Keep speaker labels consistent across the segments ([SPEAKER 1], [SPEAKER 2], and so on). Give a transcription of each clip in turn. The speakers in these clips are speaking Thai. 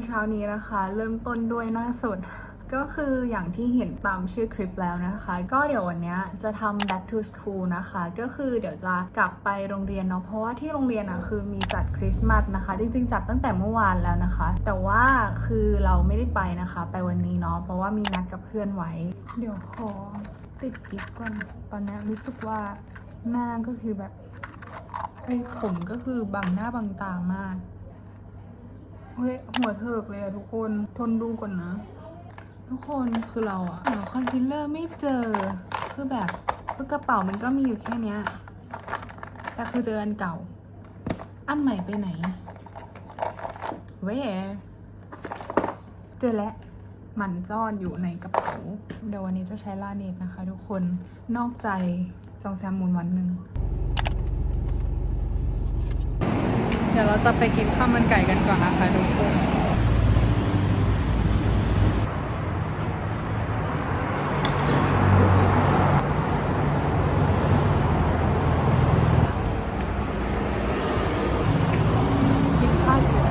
[SPEAKER 1] ช้านี้นะคะเริ่มต้นด้วยหน้าสดก็คืออย่างที่เห็นตามชื่อคลิปแล้วนะคะก็เดี๋ยววันนี้จะทำ back to school นะคะก็คือเดี๋ยวจะกลับไปโรงเรียนเนาะเพราะว่าที่โรงเรียนคือมีจัดคริสต์มาสนะคะจริงๆจัดตั้งแต่เมื่อวานแล้วนะคะแต่ว่าคือเราไม่ได้ไปนะคะไปวันนี้เนาะเพราะว่ามีนัดกับเพื่อนไว้เดี๋ยวขอติดกิ๊บก่อนตอนนี้รู้สึกว่าหน้าก็คือแบบผมก็คือบังหน้าบังตามากหัวเถิกเลยอะทุกคนทนดูก่อนนะทุกคนคือเราหาคอนซีลเลอร์ไม่เจอคือแบบกระเป๋ามันก็มีอยู่แค่เนี้ยแต่คือเจออันเก่าอันใหม่ไปไหนเจอแล้วมันซ่อนอยู่ในกระเป๋าเดี๋ยววันนี้จะใช้ลาเนตนะคะทุกคนนอกใจจองแซมมูนวันหนึ่งเดี๋ยวเราจะไปกินข้าวมันไก่กันก่อนนะคะทุกคนกินข้าวเสร็จ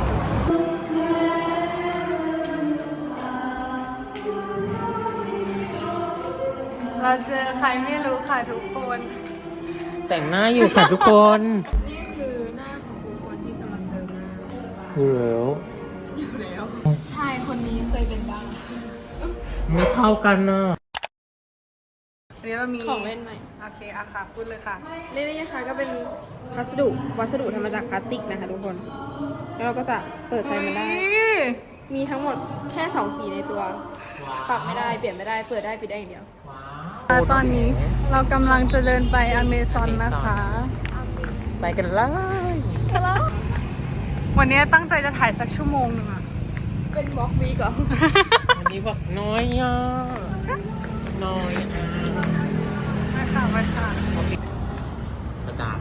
[SPEAKER 1] เราเจอใครไม่รู้ค่ะทุกคน
[SPEAKER 2] แต่งหน้าอยู่ค่ะทุกคน
[SPEAKER 1] นี่คือหน้าของบุคคลที่กำลังเดินมา
[SPEAKER 2] อยู่แล้ว
[SPEAKER 1] ชายคนนี้เคยเป็นบ้าง
[SPEAKER 2] ไม่เข้ากันนะ
[SPEAKER 1] อันนี้เรามี
[SPEAKER 3] ของเล่นใหม่
[SPEAKER 1] โอเคอะค่ะพูดเลยค่ะ
[SPEAKER 3] นี่นะคะก็เป็นวัสดุทำมาจากพลาสติกนะคะทุกคน แล้วเราก็จะเปิดไฟมันได้ มีทั้งหมดแค่2สีในตัว ปรับไม่ได้เปลี่ยนไม่ได้เปิดได้ปิดได้อย่างเดียว
[SPEAKER 1] ตอนนี้เรากำลังจะเดินไปอเมซอนนะคะ
[SPEAKER 2] ไปกันเลย
[SPEAKER 1] วันนี้ตั้งใจจะถ่ายสักชั่วโมงหนึ่งอะ
[SPEAKER 3] เป็นบล็อกวีก่อน
[SPEAKER 2] วันนี้บอกน้อยอ่ะน้อยอ่ะ
[SPEAKER 1] ไปค่ะไปค่ะ
[SPEAKER 2] ประจาน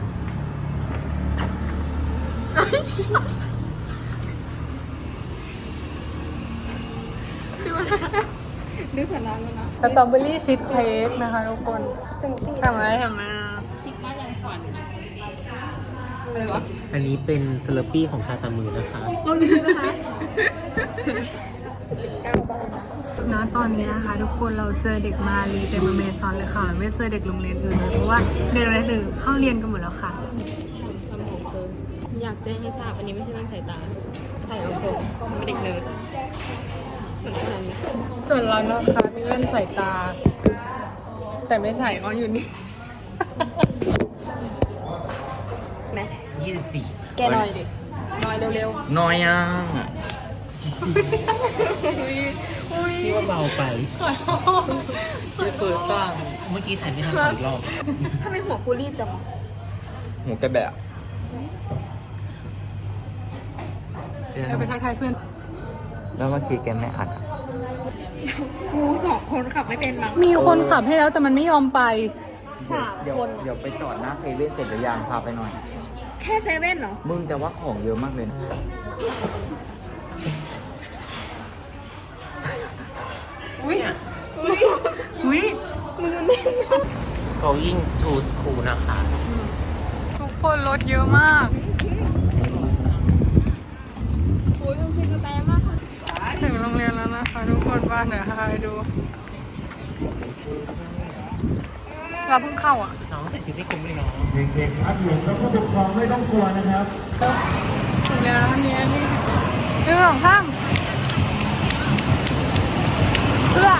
[SPEAKER 3] ดูสันดานแล้วนะ
[SPEAKER 1] สตรอเบอรี่ชีสเค้กนะคะทุกคน
[SPEAKER 3] สมูทตี้
[SPEAKER 1] ทำไม
[SPEAKER 3] คิดว่ายันฝันอะไรวะ
[SPEAKER 2] อันนี้เป็นสลัดปี้ของชาตามือนะคะ
[SPEAKER 3] เราลืมนะคะ79 บาทนะ
[SPEAKER 1] ตอนนี้นะคะทุกคนเราเจอเด็กมาลีเต็มอเมซอนเลยค่ะเราไม่เจอเด็กโรงเรียนอื่นเลยเพราะว่าเด็กโรงเรียนอื่นเข้าเรียนกันหมดแล้วค่ะ
[SPEAKER 3] ทำผมเพิ่มอยากแจ้งให้ทราบอันนี้ไม่ใช่แว่นสายตา ใส่เอาทรงไม่เด็กเนิร์ดเหมือนกันไหม
[SPEAKER 1] ส่วนเรานะคะมีแว่นสายตา แต่ไม่ใส่ก็อยู่นี่
[SPEAKER 3] แม็ก
[SPEAKER 2] 24
[SPEAKER 3] แกหน่อยดิหน่อยเร็ว
[SPEAKER 2] น้อยอ่ะ
[SPEAKER 3] ๆ
[SPEAKER 2] พี่ว่าเบาไปไม่เปิดบ้างเมื่อกี้ถ่ายไม่ทันอีกรอบ
[SPEAKER 3] ทำไมหัวกูรีบจังวะ
[SPEAKER 4] หมูกระแบะ
[SPEAKER 1] เราไปทักทายเพื่อน
[SPEAKER 4] แล้วเมื่อกี้แกไม่อัดอะ
[SPEAKER 3] กู2 คนขับไม่เป็นมั้ง
[SPEAKER 1] มีคนขับให้แล้วแต่มันไม่ยอมไป
[SPEAKER 3] 3
[SPEAKER 4] เดี๋ยว
[SPEAKER 3] คน
[SPEAKER 4] เดี๋ยวไปจอดหน้าเซเว่นเสร็จหรือยังพาไปหน่อย
[SPEAKER 3] แค่เซเว่นเหรอ
[SPEAKER 4] มึงแต่ว่าของเยอะมากเลยนะ
[SPEAKER 3] อุ้ย
[SPEAKER 1] มึง
[SPEAKER 2] going to school นะคะ
[SPEAKER 1] ทุกคนรถเยอะมาก
[SPEAKER 3] โอ้ยต้องซื้อกาแฟมากค่ะ
[SPEAKER 1] ถึงโรงเรียนแล้วนะคะทุกคนว่าเดี๋ยวพาไปดู เราเพิ่งเข้าอ่ะ
[SPEAKER 2] น้องแต่ชีวิตคุ้มเลยเนาะ
[SPEAKER 5] เด็กๆครับอยู่กับผู้ปกครองไม่ต้องกลัวนะครับ
[SPEAKER 1] ถึงแล้วนี่เรื่องข้างเพื่อ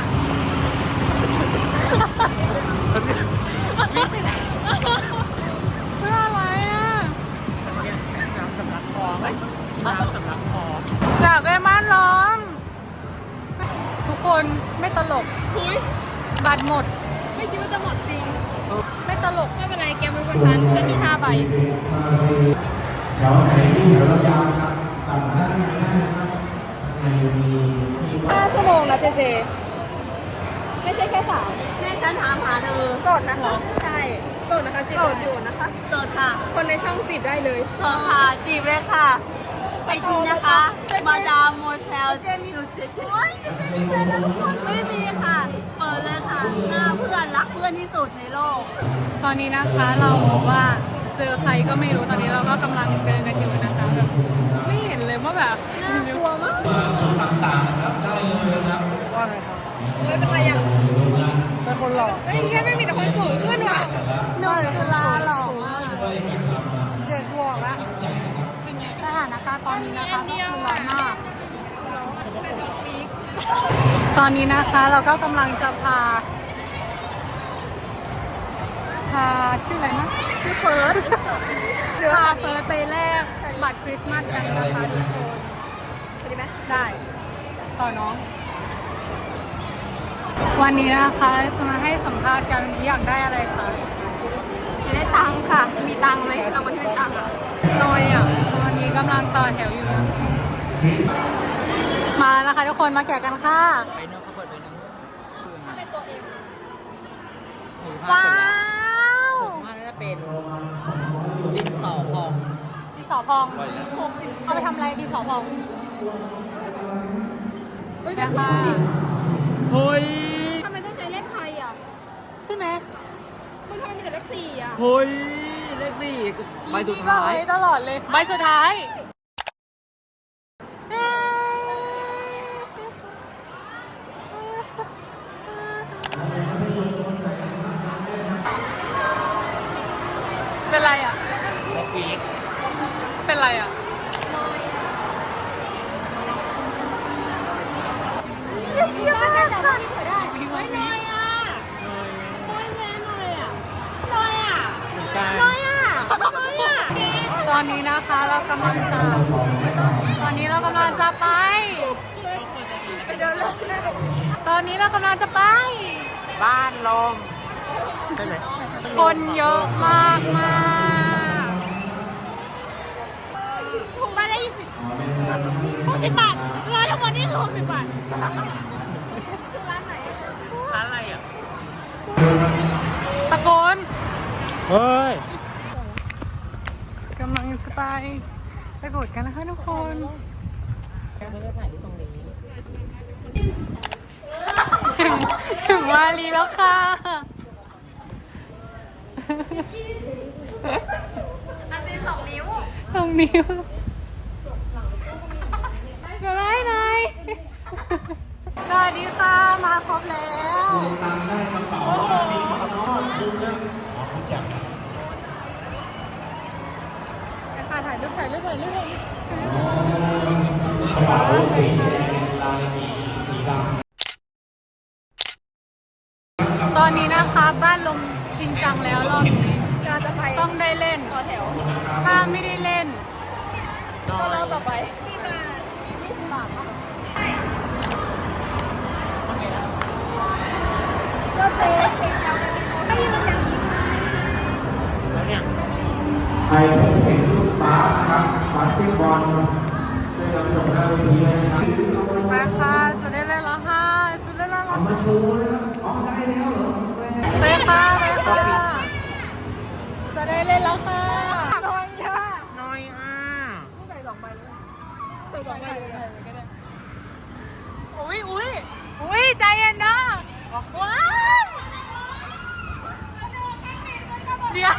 [SPEAKER 1] เพื่ออะไรอ่ะ
[SPEAKER 2] น้ำสำลักคอไหมน้ำสำลักคอ
[SPEAKER 1] อยากได้ม่านร้อน ทุกคนไม่ตลก
[SPEAKER 3] อุ้ย
[SPEAKER 1] บัตรหมด
[SPEAKER 3] ไม่คิดว่าจะหมดจริง
[SPEAKER 1] ไม่ตลก
[SPEAKER 3] ไม่เป็นไรแกรู้กับฉันมี5 ใบ
[SPEAKER 5] แถวไหนที่แถวเรายาวนะครับตัดด้านในได้นะครับในมีที่ว่า
[SPEAKER 3] 5 ชั่วโมงนะเจเจ ไม่ใช่แค่3แม่ฉันถามหาเธอโสดนะคะ ใช่โสดนะคะจีบอยู่นะคะโสดค่ะ คนในช่องจีบได้เลย
[SPEAKER 6] โสดค่ะ จีบเลยค่ะ ไปจีนะคะ มาดามโมเชลเจมีโอ้ยเจมีแฟนแล้วทุกคนไม่มีค่ะ เปิดเลยค่ะ หน้าเพื่อนรักเพื่อนที่สุดในโลก
[SPEAKER 1] ตอนนี้นะคะเราบอกว่าเจอใครก็ไม่รู้ตอนนี้เราก็กำลังเดินกันอยู่นะคะแบบไม่เห็นเลยว่าก็แบบ
[SPEAKER 3] น่ากลัวมาก
[SPEAKER 5] จุดต่างๆนะครับได้เลยนะครับ
[SPEAKER 2] ว่าไงครับ
[SPEAKER 3] ไม่เป็นไรอ่ะ
[SPEAKER 2] เป็นคนหล่อ
[SPEAKER 3] เฮ้ยแค่ไม่มีแต่คนสูงขึ้นว่ะ
[SPEAKER 1] หนุ่มจุฬาหล่อมาก
[SPEAKER 2] เจ็ดบวกแล้ว
[SPEAKER 1] เป็นไงสถานการณ์ตอนนี้นะคะก็คือร้อนมาก ตอนนี้นะคะเราก็กำลังจะพาชื่ออะไรนะ
[SPEAKER 3] ชื่อเฟิร์ส
[SPEAKER 1] พาเฟิร์สไปแลกบัตรคริสต์มาสกันนะคะทุกคน
[SPEAKER 3] สวัสดีไหม
[SPEAKER 1] ได้ต่อน้อง วันนี้นะคะจะมาให้สัมภาษณ์กันวันนี้อยากได้อะไรคะ
[SPEAKER 3] อยากได้ตังค์ค่ะ มีตังค์ไหมเรามาที่ได้ตังค์อ่ะ
[SPEAKER 1] น้อยอ่ะตอนนี้กำลังต่อแถวอยู่นะคะมาแล้วค่ะทุกคนมาแกะกันค่ะ
[SPEAKER 4] ไปเนื้อเขาเปิดไปเนื้อ
[SPEAKER 3] เป็นตัวเอง
[SPEAKER 1] ว้าว
[SPEAKER 4] ว่าน่าจะเป็นดินต่อพอง
[SPEAKER 1] ดินสอพองเอาไปทำอะไรดินสอพองนะคะ
[SPEAKER 4] เฮ้ย
[SPEAKER 3] ทำไมต้องใช้เลขไทยอ่ะ
[SPEAKER 1] ใช่ไหม
[SPEAKER 3] มึงทำไมมีแต่เลขสี่อ่ะ
[SPEAKER 4] เฮ้ย เลขสี่ใบสุดท้าย
[SPEAKER 1] ตลอดเลยใบสุดท้ายเป็นไรอ่ะ
[SPEAKER 2] บอกวีค
[SPEAKER 1] เป็นไรอ่ะ
[SPEAKER 2] เหมือนกัน
[SPEAKER 1] ตอนนี้นะคะเรากำลังจะไปเดินเล่นตอนนี้เรากำลังจะไป
[SPEAKER 2] บ้านลมใช่ไหม
[SPEAKER 1] คนเยอะมากมาก
[SPEAKER 3] ถูกมาได้60 บาทร้อยทั้งหมดนี่คือ60 บาทซื้อร้านไหน
[SPEAKER 2] ร้านอะไรอ่ะ
[SPEAKER 1] ตะโกน
[SPEAKER 2] เฮ้ย
[SPEAKER 1] กำลังจะไปโบสถ์กันนะคะทุกคนถึงวาลีแล้วค่ะ
[SPEAKER 3] อันนี้2 นิ้ว
[SPEAKER 1] ตรงนี้เดี๋ยวได้ไหนสวัสดีค่ะ มาครบแล้ว
[SPEAKER 5] ตังค์ได้กระเป๋าว่ามีน้องคุ้มนะขอรู้จัก
[SPEAKER 1] ค่ะถ่ายรูป
[SPEAKER 5] กระเป๋าสีแดงลายหมีสีดำ
[SPEAKER 1] ตอนนี้นะคะบ้านลมจริงจังแล้วรอบนี้
[SPEAKER 3] เราจะไป
[SPEAKER 1] ต้องได้เล่น
[SPEAKER 3] ต่อแถว
[SPEAKER 1] ถ้าไม่ได้เล่น
[SPEAKER 3] ก็เริ่มต่อไปนี่มา20 บาทป่ะก็เจ๊ไม่ยืนอย่างนี้
[SPEAKER 2] แล้วเนี่ย
[SPEAKER 5] ใครพบเห็นลูกบาสครับบาสเกตบอลช่วยนำส่งหน้าเวทีเลยนะครับ
[SPEAKER 1] ไปค่ะสุดได้เล่นแล้วค่ะสุดได้เล่นแล้
[SPEAKER 5] เอา
[SPEAKER 1] ว
[SPEAKER 5] มาโชว์นะครับอ๋อได้แล้วเหรอ
[SPEAKER 1] ไปค่ะจะได้เล่นแล้วค่ะ
[SPEAKER 3] น้อยอ่ะ
[SPEAKER 2] น้อยอ่ะ
[SPEAKER 3] ใส่2 ใบเลย
[SPEAKER 1] อุ้ยใจเย็นนะว้าวเดี๋ยว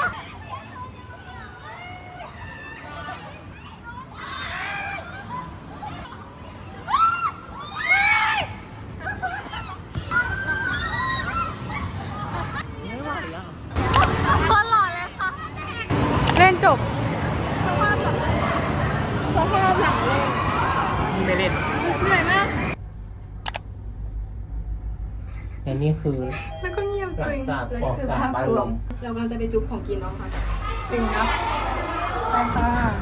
[SPEAKER 1] คนหล่อเลยค่ะ เล่นจบ
[SPEAKER 3] สภาพหลังเลย
[SPEAKER 2] ไม่เล่น
[SPEAKER 3] เหนื่อยมาก
[SPEAKER 2] และนี่คือ
[SPEAKER 1] แล้วก็เงียบ
[SPEAKER 2] หลั
[SPEAKER 1] จริ
[SPEAKER 2] ง
[SPEAKER 1] ง
[SPEAKER 2] จากออกจากบ้านลม
[SPEAKER 3] เรากำลังจะไปจุ๊บของกินน้องค่ะ
[SPEAKER 1] จริงนะไปค่ะ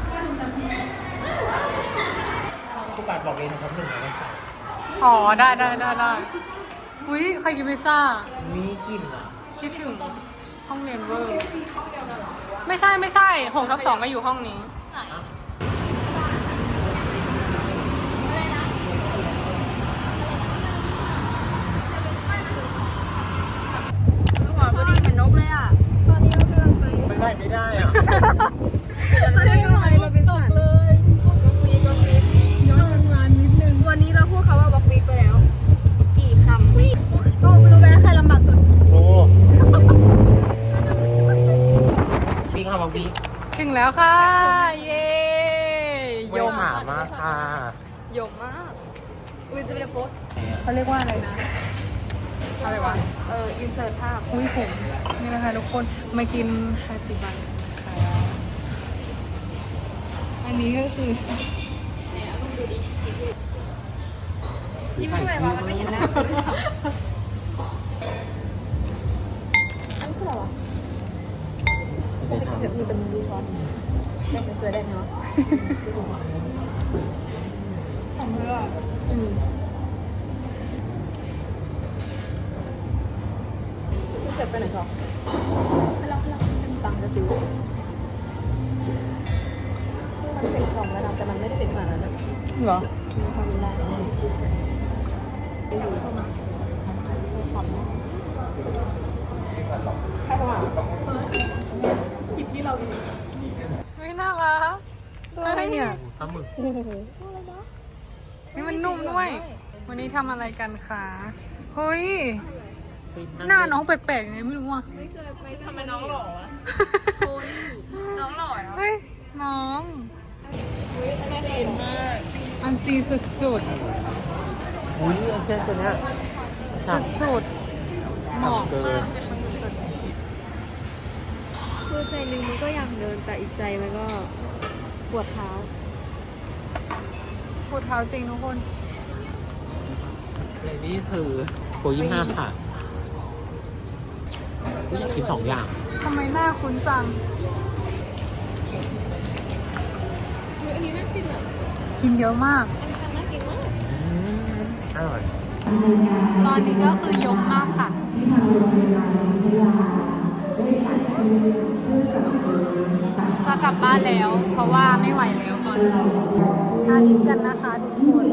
[SPEAKER 2] ผู้ปาดบอกเลยนะครับ1 ใน
[SPEAKER 1] อ๋อ ได้อุ้ยใครกินพิซซ่า
[SPEAKER 2] 3มีกลิ่นอ่ะ
[SPEAKER 1] คิดถึงห้องเรียนเวอร์ ไม่ใช่6/2ก็อยู่ห้องนี้
[SPEAKER 3] หัวพอดีเหมือนนกเลยอ่ะ ตอนนี้เรากำลังไป
[SPEAKER 2] ไม่ได้อ่ะ
[SPEAKER 3] ตอนนี้เราเป็นสัตว์เลยบล็อกวีย้อนวันนิดนึง วันนี้เราพูดคำว่าบล็อกวีไปแล้ว กี่คำรู้ไหมใครลำบากสุด
[SPEAKER 2] โอ้มีคำบอกวี
[SPEAKER 1] ถึงแล้วค่ะ เย้
[SPEAKER 2] ยมหามาก
[SPEAKER 3] ยมมากอุ้ยจะเป็นโพส
[SPEAKER 1] เขาเรียกว่าอะไรนะ อะไรวะ
[SPEAKER 3] อินเสิร์ตภาพ
[SPEAKER 1] อุ้ยผมนี่นะคะทุกคนมากินฮาซิบันค่ะอันนี้ก็คือ
[SPEAKER 3] ยิ้มทำไมวะมันไม่เห็นหน้าอันนี้คืออะไรวะเดี๋ยวมีแต่มือดูช้อนได้เป็นตัวได้เนาะของเธออ่ะเก็บไปไหนก่อนให้เราตังค์จะซื้อมันเป็นของระดับแต่มันไม่ได้เป็นขนาดนั้นนะ
[SPEAKER 1] เหรอ
[SPEAKER 3] มีความได้อยู่เข้ามาใครเข้ามาหยิบที่เรา
[SPEAKER 1] ไม่น่ารักอะไรเนี่ย
[SPEAKER 2] ปลาหมึก
[SPEAKER 1] นี่มันนุ่มด้วย วันนี้ทำอะไรกันคะเฮ้ย หน้าน้องแปลกๆไงไม่รู้อ่ะ
[SPEAKER 3] ทำไมน้องหล่อวะโทนี่น้องหล่อ
[SPEAKER 1] เฮ้ย น้อง
[SPEAKER 3] อันซีนมาก
[SPEAKER 1] อันซีสุด
[SPEAKER 2] อุ้ยอันเช่นตัวเนี้ย
[SPEAKER 1] ๆสุดๆเหมาะมาก
[SPEAKER 3] คือใจหนึ่งมันก็อยากเดินแต่อีกใจมันก็ปวดเท้า
[SPEAKER 1] พูดเท้าจริงทุกคน
[SPEAKER 2] ในนี้คือโปร25ค่ะอยากกิน2 อย่าง
[SPEAKER 1] ทำไมหน้าคุ้นจัง
[SPEAKER 3] อันนี้น่ากินอ่ะ
[SPEAKER 1] กินเยอะมาก
[SPEAKER 3] อันนี้น่ากินมาก
[SPEAKER 2] อร่อย
[SPEAKER 1] ตอนนี้ก็คือยมมากค่ะ จะกลับบ้านแล้ว เพราะว่าไม่ไหวแล้วตอนนี้ทาลิปกันนะคะทุกคน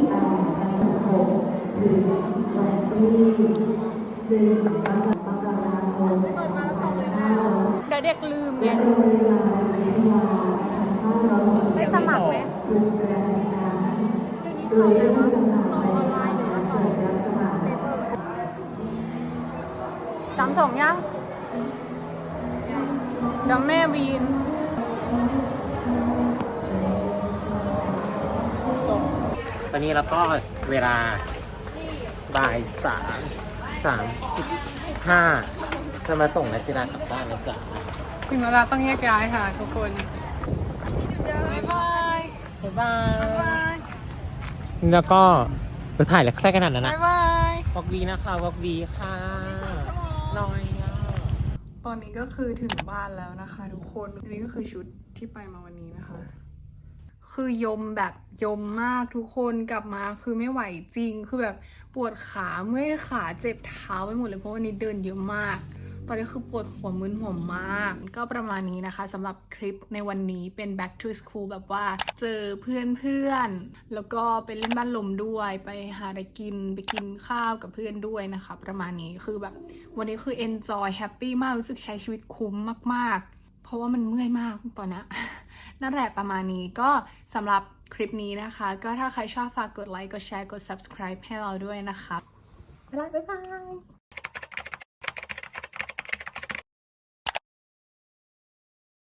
[SPEAKER 1] เดี๋ยวเด็กลืมไงได้สมัครไหมเดี๋ยวนี้สอบไหมวะสอบออนไลน์หรือว่าสอบเปเปอร์3 ยังเดี๋ยวแม่วีนจบ
[SPEAKER 2] ตอนนี้เราก็เวลาบ่าย3:35จะมาส่งนัจจิรากลับบ้านนะจ๊ะ
[SPEAKER 1] ถึงเวลาต้องแยกย้ายค่ะทุกคนบ๊ายบาย
[SPEAKER 2] บ๊ายบา
[SPEAKER 1] บ๊ายบาย
[SPEAKER 2] ยแล้วก็จะถ่ายแล้วแค่ขนาดนั้นนะ
[SPEAKER 1] บ๊ายบาย
[SPEAKER 2] วอกวีนะคะวอกวีค่ะน้อยอ่ะ
[SPEAKER 1] ตอนนี้ก็คือถึงบ้านแล้วนะคะทุกคนอันนี้ก็คือชุดที่ไปมาวันนี้นะคะ คือยมแบบยมมากทุกคนกลับมาคือไม่ไหวจริงคือแบบปวดขาเมื่อยขาเจ็บเท้าไปหมดเลยเพราะวันนี้เดินเยอะมาก ตอนนี้คือปวดหัวมึนหัวมาก ก็ประมาณนี้นะคะสำหรับคลิปในวันนี้เป็น back to school แบบว่าเจอเพื่อนๆแล้วก็ไปเล่นบ้านลมด้วยไปหาอะไรกินไปกินข้าวกับเพื่อนด้วยนะคะประมาณนี้คือแบบวันนี้คือ enjoy happy มากรู้สึกใช้ชีวิตคุ้มมากๆเพราะว่ามันเมื่อยมากตอนนี้ นั่นแหละประมาณนี้ก็สำหรับคลิปนี้นะคะก็ถ้าใครชอบฝากกดไลค์กดแชร์กด subscribe ให้เราด้วยนะคะบ๊ายบาย